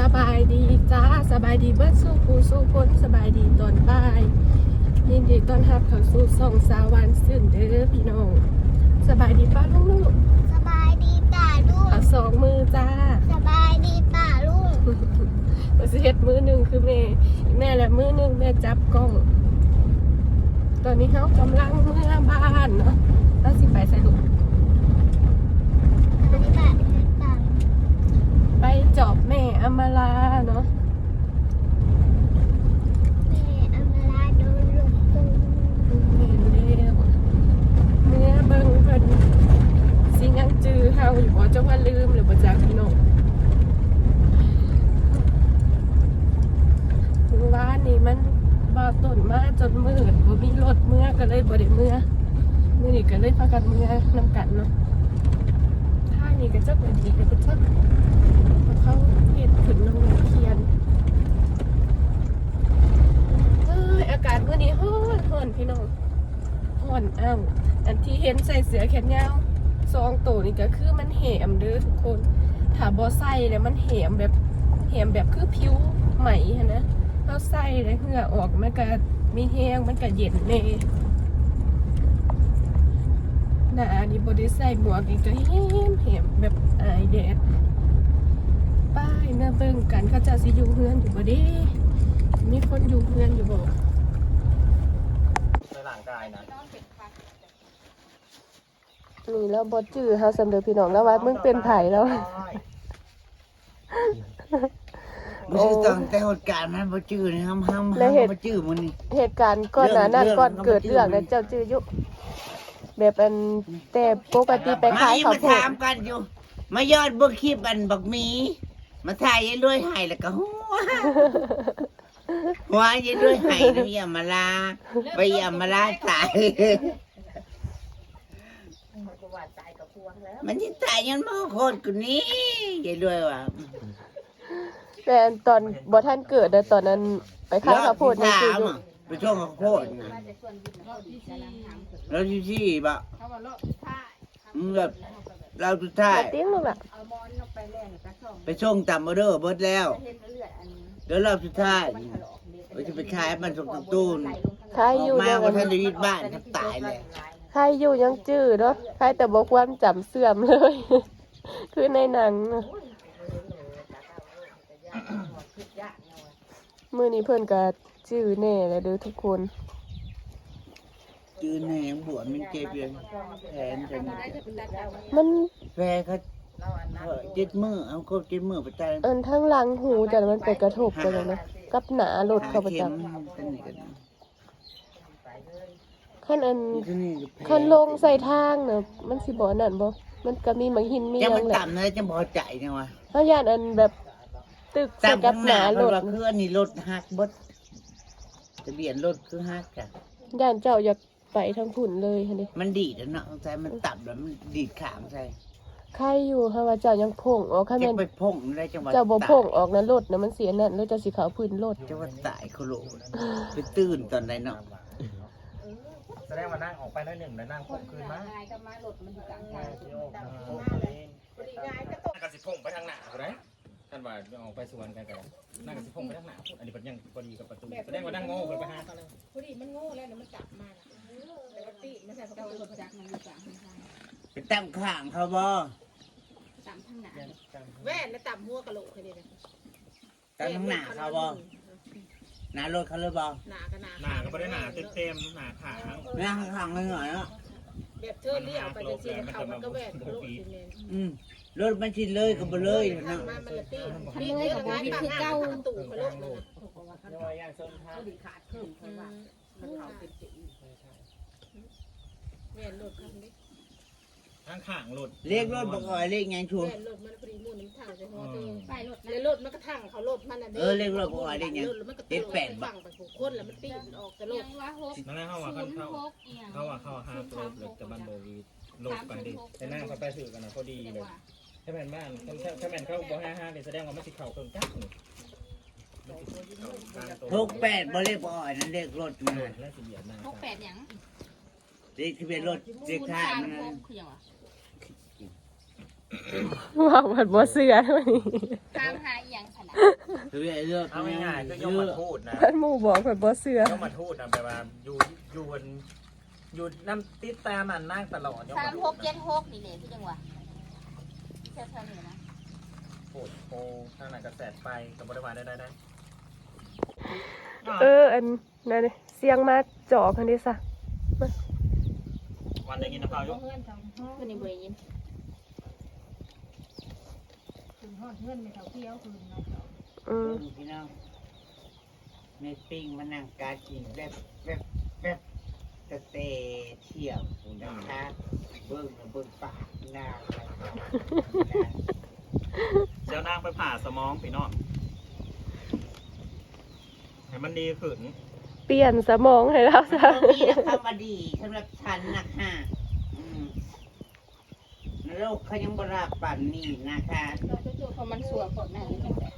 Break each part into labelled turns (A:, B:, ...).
A: บายดีจ้าสบายดีเบิดสู้ผู้สู้คนสบายดีตอนบ่ายยินดีต้อนรับเข้าสู่ส่องสาวันซื่นเด้อพี่น้องสบายดีป้าลุงลูก
B: สบายดีป่าลุง
A: เอาสองมือจ้า
B: สบายดีป่าลุง
A: เราสิเฮ็ดมือหนึ่งคือแม่และมือหนึ่งแม่จับกล้อง ตอนนี้เขากำลังเมื่อบ้านเนาะแล้วสิไปใส่ลูก
B: ไปป่าไปป่า
A: ไปจอบแม่อำมาลาเนาะ
B: แม่อำมาลาโดนหลงตู
A: แม่เร็วเนื้อเบิ่งเพิ่นสิยังจือเฮาอยู่บ่จังว่าลืมหรือบ่จักพี่น้องคือว่านี่มันบ่ต้นมาจนมืดบ่มีรถเมื่อก็เลยบ่ได้เมื่อมื้อนี้ก็เลยพากันเมื่อนำกันเนาะท่านี้ก็จักว่าดีก็จักเขาเฮ็ดขึ้นน้องเขียนอากาศมื้อนี้ร้อนพี่น้องร้อนอ้าวอันที่เห็นใส่เสื้อแขนยาว2ตัวนี่ก็คือมันแหมเด้อทุกคนถ้าบ่ใส่แล้วมันแหมแบบคือผิวไหมหั่นนะเราใส่แล้วเหงื่อออกมันก็มีแห้งมันก็เย็นแน่หน้านี่บ่ได้ใส่หมวกนี่ก็แหมแบบอายแดดป้ายเมื่อเบิ่งกันเขาจะสิอยู่เฮือนอยู่บ่เด้มีคนอยู่เฮือนอยู่บ่
C: ในร่างกายนะ
A: นี่แล้วบอจื้อเฮาสำเร็จพี่น้องแล้วว่ามึงเป็นไผแล้ว
D: ไม่ใช่ตอนแต่เหตุการณ์นั้นบ่จื้อนี่ห้ามบ่จื้อมันนี่
A: เหตุการณ์ก่อนหน้านั้น
D: เรื่อง
A: ก่อนเกิด
D: เรื่
A: เรื่อ
D: อง ง
A: นั้นเจ้าจื้ออยู่แบบอันแต่ปกติไปขาย
D: มา
A: ข้าวโพด
D: ถามกันอยู่ มายอดเบิ่งคลิปอันบักหมี มาถ่ายยายรวยให้แล้วก็หัวยายรวยให้นะอย่ามาลาไปอย่ามาลาตายมันสิตายยันบ่โคตรกูนี้ยายรวยว่ะ
A: แต่อันตอนบ่ทันเกิดแต่ตอนนั้นไปขายข้าวโพดยังจื้ออยู่
D: ไปช่วงข้าวโพดแล้วที่บ่แบบเราสุดท้าย
A: มาติ้งลูกล่ะ
D: ไปช่วงต่ำมาเด้อเบิดแล้วเดี๋ยวรอบสุดท้ายเราจะไปขายมันส่งตตูน
A: ขาย
D: อ
A: อ
D: อยู่ กมา
A: ยัง
D: ว่าท่านได้ยิดบ้านทับตายเลย
A: ขายอยู่ยังจื้อเนาะขายแต่บ่ความจำเสื่อมเลย คือในหนังน่ะมื้อนี้เพิ่นก็จื้อแน่แล้วเด้อทุกคน
D: จืนแหงบวชมันเจ็บเลยแผนเป็น
A: มัน
D: แผลเขาเจ็ดมือเอาครบเจ็ดมือไปตาย
A: อันทั้งหลังหูแต่มันไปกระทบกันเลยนะกับหนารถเขาประ
D: เข็
A: จั
D: ม
A: บ
D: เป็นนี่กัน
A: ขั้นอัน
D: ที่นี่ก็แผล
A: ขั้นลงใส่ทางเนอะมันสิบ่นั่นบ่มันก็มีมังหินมีห
D: จะ
A: ยั
D: มัน
A: งแหละ
D: ต่ำเลยจะพอใจเนี่ยวะ
A: เฮาย่านอันแบบตึกใส่
D: ต่ำ
A: กั
D: ข้า
A: บ
D: ง
A: ห
D: ห
A: นา
D: น้าร
A: ถ
D: ว่าคืออันนี้รถหักเบดทะเบียนรถคือหักจ้ะ
A: ย่านเจ้าอยากไปทางพุ่นเลยหั่นดิ
D: มันดีดอะเนาะใช่มันต่ำแล้วมันดีดขามใช่
A: ใครอยู่เฮาว่าเจ้ายังพ่งออกคัน
D: จะ
A: แม่น
D: ไปพ่งได้จังหวัด
A: เจ้าบ่
D: ตก
A: พ่งออกนะรถนะมันเสียนั่นแล้วเจ้าสิเข้าพื้นรถ
D: จังหวัดตายเขาโลไปตื่นตอนไหนเนาะ
C: แสดงว่านั่งออกไปน้อยหนึ่งแล้วนั่งพกคืนมานั่งกับสิพงไปทางหน้าถูกไหมท่านว่าออกไปสวนกันกันนั่งกับสิพงไปทางหน้าอันนี้เป็นยังพอดีกับประตูแสดงว่านั่งโง่กันไปหาเขาแล้ว
E: พอดีมันโง่แล้วมันจับมาแต่ว่าตีมันใส่เขาตัวจักมันอยู่กลางทาง
D: ไปตั้งข้างเขาบ่
E: ต่ำทางหนาแว่นแล้วต่ำหัวกะโหลกแค่นี้เลย
D: ตั้งข้างหน้าเขาบ่หน้ารถเขาเลยบ่
E: หนากับหนา
C: หน้าก็ไม่ได้หน้าเต็มหน้าขาง
D: หน้าข้างๆเลยหน่อยเนาะ
E: แบบเธอเลี้ยวไปจะซีเขามันก็แว่นกะโหลกซีเมน
D: รถมันชินเลยก็บ่เลย
E: ทาง
D: เนาะ
E: มามันละตีตีเลยกับมันคือเก้าตู่กะโหลกเลยแว่นรถคันนี้
C: ทางขางหลุด
D: เรียกรถบ่ก่อยเรียกหยังชัว
E: แว่นรถมันพอดีมูนน้ำถังใส่หัวเธอไปรถแล้วรถมันก็ถังเขารถมันอ่ะมันก็ตีฝั่งไปผูกคนแล้วมันตีมันออกกะโหลก
C: นั่นแหละเขาว่าเขาว่าเขาห้าตัวหรือจะบ้านโบวีโลกไปดิแต่นั่งเขาไปสื่อกันนะเขาดีเลยถ้าแม่นบ้านถ้าแม่นเขาบอกห้าเนี่ยแสดงว่าไม่สิเข่าเกินกั๊กนี่
D: 68บ่เรียกบ่อ่อยนั่นเรียกรถมัน
C: แล้วสิเหยียบหน้า
E: พกแปดหยัง
D: เรียกทะเบียนรถเรียกท่ามัน
A: ว่ามันบ่เสื้อเท่านี้
E: ตามหาอย่างฉันนะ
D: คือไอ้เรื่อง
C: เอาง่ายๆคือยมมาทูดนะ
A: ท่านหมู่บอกข่อยบ่เชื่อย
C: มมาทูดนะแปลว่าอยู่น้ำติดตามมันนั่งตลอดยมมาทูดนะ
E: 3676นี่แหละพี่จังหวะแค่ๆนี้นะ
C: โอ้โหทางไหนกระแสไปกับบริวารได้
A: อันนั่นนี่เสียงมาจอกกันดิซะ
C: วันได้ยินนะพายุ
E: วันนี้บ่ได้ยิน
D: พี่น้องในปิ้งมานั่งการกินแบบตะเตะเที่ยวนะคะเบิ่งปากหน้า
C: เจ้านางไปผ่าสมองพี่น้องให้มันดีขึ้น
A: เปลี่ยนสมองให้แล้ว
D: มัน
A: ซะ
D: ก็มีคำว่าดีสำหรับฉันนะค่ะโรคเขายังบราปั่นนี่นะคะ
E: เพราะมันสัวผลน่ะจังได๋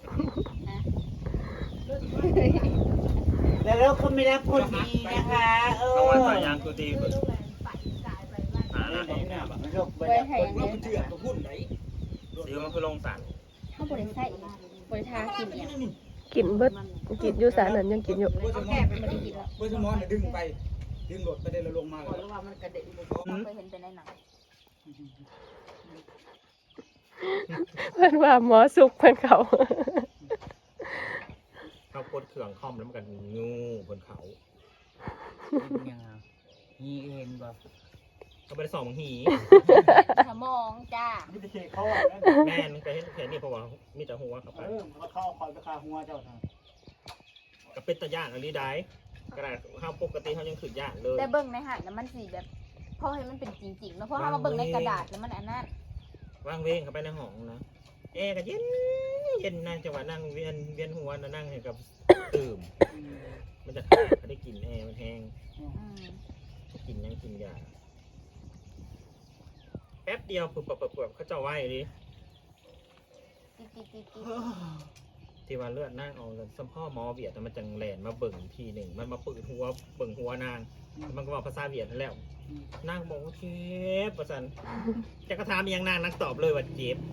D: แล้วเราเขาไม่รับคนดีนะคะ
C: เพราะว่าสายยางคือดีขึ้นหาหน้าเองเนี่ยแบบ
D: โรคบ
E: ไว้
D: รา
E: ให้
D: คน
E: อัน
D: ดี
E: นี้
C: ซิวมันคือลงสัน
E: เฮาบ่ได้ใส่บ่ได้ทากินเนี่ย
A: กินเบิดกินอยู่สารนั้นยังกินอยู่
E: เอาแก้ไปบ่ได้กินแล้ว
F: เพื่อสมอนดึงไปดึงรถไปได้แล้วลงมาเลย
E: เพราะว่ามันกระเด็นบ่เคยเห็นแต่ในหนัง
A: เพิ่นว่าหมอสุกเพิ่นเขา
C: เขากดเครื่องคอมแล้วมันกันงูบนเขา
D: ยังไงนี่เห็นบ่
C: เขาไปส่องหี
E: สมองจ้า
F: ไม่ได้เช็คเขาแล้ว
C: แม่นไปเห็นแค่นี้เพราะว่ามีแต่หัวเข้าไป
F: เขาเข้าคอยไปคาหัวเจ้าทาง
C: ก็เป็นตะย่านอะไรได้กระดาษเขาปกติเขายังขึ้นย่านเลย
E: แต่เบิ่งในหันแล้วมันสิแบบพอให้มันเป็นจริงๆแล้วพอเฮามาเบิ่งในกระดาษแล้วมันอันนั้น
C: ว่างเวงเข้าไปในห้องนะแอร์ก็เย็นเย็นนั่งจังหวะนั่งเวียนหัวนะนั่งให้กับตื่มมันจะขาดเขาได้กลิ่นแอร์มันแห้ง
E: อืม
C: กินยังกินยาแป๊บเดียวปุ๊บเขาเจ้าไหวดิ
E: ติด
C: ที่ว่าเลือดนั่งเอาสัมพ่อหมอเวียดแต่มันจังแหลนมาเบิ่งทีหนึ่งมันมาปืดหัวเบิ่งหัวนางมันก็บอกภาษาเวียดนั่นแล้วนางบอกว่าเจ็บประสันจะกระทำยังนางนักตอบเลยว่าเจ็บ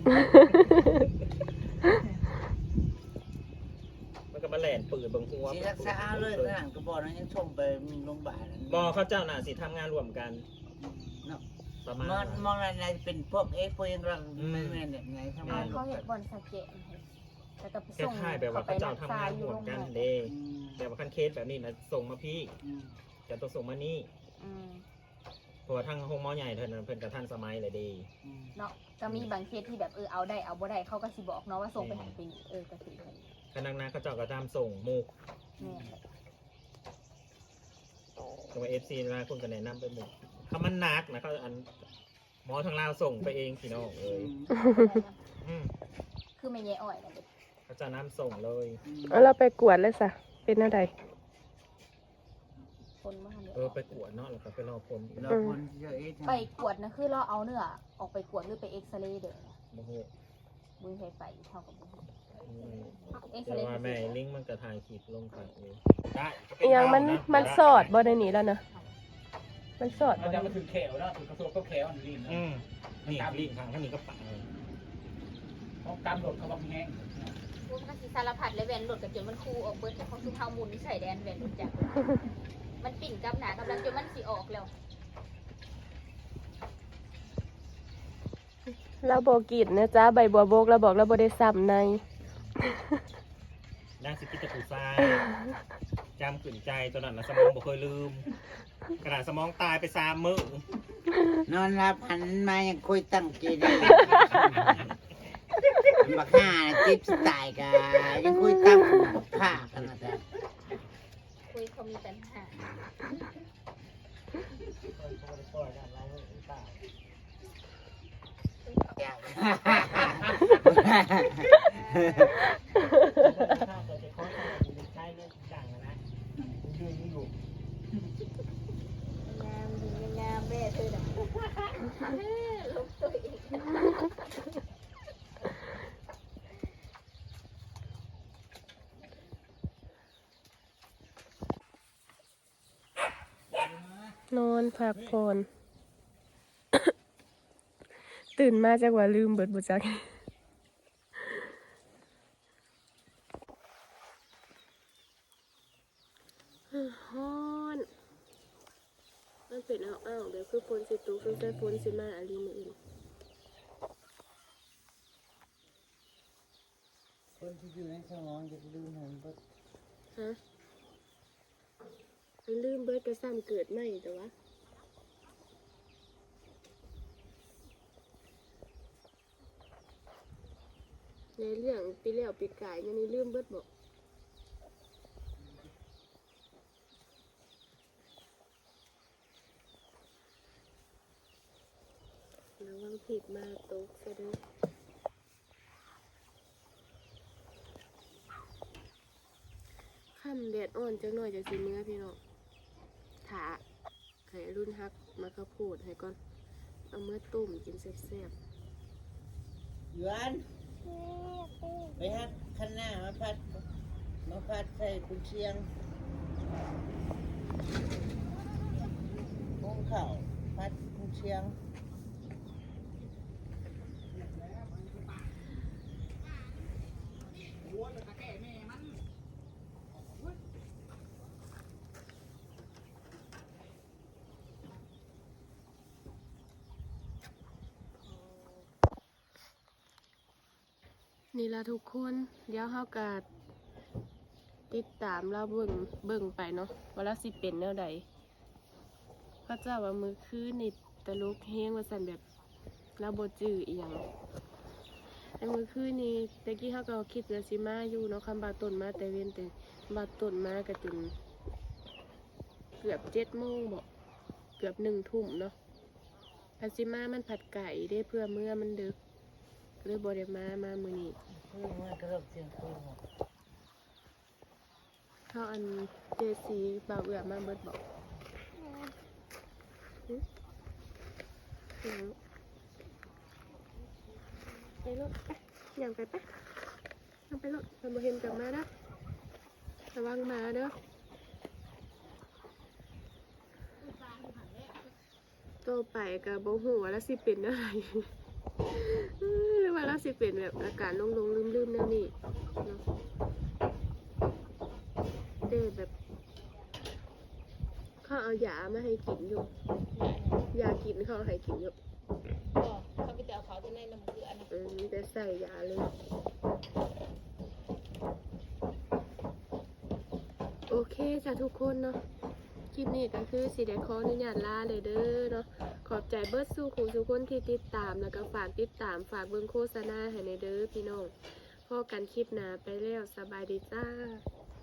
C: มันก็มาแหลนปืดเบิ่งหัว
D: สิรักษาเลยนะก็บอกนะยังชมไปโรงพยาบาล
C: บอเขาเจ้าน่ะสิทำงานรวมกันประมาณ
D: มองอะไรเป็นพวกพวกยังรังไม่แม่นเนี่ยไงทำ
E: ๆ
D: งาน
E: เขาเฮ็ดบอลสเก็ตแล้วก็ไป
C: แค่
E: ส่ง
C: ค่ายแบบว่าเขาเจ้าทำงานรวมกันเด้
D: อืม
C: แต่ว่าขั้นเคสแบบนี้นะส่งมาพี่จะต้องส่งมานี่
E: อืม
C: เพราะว่าทางห้องหมอใหญ่เพิ่นเพิ่นกับท่านสมัยเลยดี
E: เนาะก็มีบางเคสที่แบบเอาได้เอาบ่ได้เขาก็สิบอกเนาะว่าส่งไปให้เป็นก็สิให้
C: คณะนาเขาเจ้าก็ตามส่งหมูก
E: แม่นแหละ
C: ตัว FC มาคนก็แนะนำไปหมูกถ้ามันหนักนะเขาอันหมอทางลาวส่งไปเองพี่น้องเอ้ยอืม
E: คือไม่แย่อ่อยนั่นเด้
C: เขาจะน้ำส่งเลย
A: เอาเราไปกวดเลยซะเป็นอะไร
E: คนมาเนี่ย
C: ไปกวดเนาะแล้วก็ไปรอผลอีก
D: เราคนเยอะ
E: ไปกวดนะคือเราเอาเนื้อออกไปกวดหรือไปเอ็กซเรย์เด้อ
C: โอ้โห
E: บุญเคยไปเท่ากับบุญ
C: อืม
E: เอ็กซ
C: แต่
E: เรย์
C: ว่าแม่ลิงก์มันกระถ่ายคลิปลงไปเลยได้
A: อีหยังมันสอดบ่ได้หนีแล้วนะมันสอด
F: มัน
A: บ่
F: จะ
A: ได้
F: มาถึงแขวแล้วถึงกระโซกก็แขวอันนี้นะ
C: อืมนี่ลิงก์ทางท่านนี้ก็ปังเลย
F: เขากำรถเขาบังแห้ง
E: พวกมันสิสารพัดเลยแวนรถกับจนมันคูออกเบิดจากของซุมเฮามุนใส่แดนแวนรถจักรมันปิ่นกับหนากำลังจนมันสิออกแล้ว
A: เราบ่กินนะจ๊ะใบบัวบกเราบอกเราบ่ได้ซ้ำใน
C: นางสิกิตะปูทรายจำขืนใจตอนนั้นนะสมองบ่เคยลืมกระดาษสมองตายไป3 มื้อน
D: อนรับหันมายังคุยตั้งใจได้บักห่าจิ๊บสไตล์กันยังคุยตั้งบักห่ากันนะจ๊ะ
E: คุยเขามีปัญหา งามดีงามแม่เธอน่ะลบตัวเอง
A: นอนพักผ่อน ตื่นมาจากว่าลืมเบิดบุจักเป็นอ้าวๆแบบคือฝนสิตกสงสัยฝนสิมาอะไรมื้ออื่น
D: คนที่อยู่ในสมองจะลืมหันเบิด
A: ฮะมันลืมเบิดก็ซ้ำเกิดใหม่แต่ว่าในเรื่องปีแล้วปีกายยังนี่ลืมเบิดบอกระวังผิดมาตกซะเด้อค่ำแดดอ่อนจังหน่อยจะสิเนื้อพี่น้องถาให้รุ่นฮักมากระโพดให้ก่อน เอาเมื่อต้มกินแซ่บ
D: หยวนไปฮักคันหน้ามาพัดใส่กุนเชียงพงเข่าพัดกุนเชียง
A: ๆนี่ละทุกคนเดี๋ยวเฮากะติดตามเราเบิ่งไปเนาะว่าเราสิเป็นแนวใดพระเจ้าว่ามือคืนนี่ตลกแห้งว่าสั่นแบบเราบ่จื้ออีหยังในมือคืนนี่ตะกี้เฮาก็คิดว่าสิมาอยู่เนาะคำบาต้นมาแต่เว้นแต่บาต้นมาก็จนเกือบ7 โมงบ่เกือบ1 ทุ่มเนาะพันสิมามันผัดไก่ได้เพื่อเมื่อมันดึกเลยบ่ได้มามื้อนี้
D: มันก็เริ่มเสียงคืน
A: เขาอันเจซีบ่าวเอือมาเบิดบอกไปรถไปอย่างไปไปยังไปรถมันบ่เห็นกลับมานะระวังมาเด้อโตไปกับบ่ฮู้ว่าแล้วสิเป็นอะไรหรือว่าแล้วสิเป็นแบบอาการลงลืมๆแนวนี้เนาะเด้แบบเขาเอายามาให้กินอยู่ยากินเขาให้กินอยู่
E: เขาไปเอาเขาจะในน้ำเกลือนะ
A: มีแต่ใส่ยาเลย โอเคจ้ะทุกคนเนาะคลิปนี้ก็คือสิได้ขออนุญาตลาเลยเด้อเนาะขอบใจเบิร์ดสู้ครูทุกคนที่ติดตามแล้วก็ฝากติดตามฝากเบิ่งโฆษณาให้ในเด้อพี่น้องพอกันคลิปหน้าไปแล้วสบายดีจ้า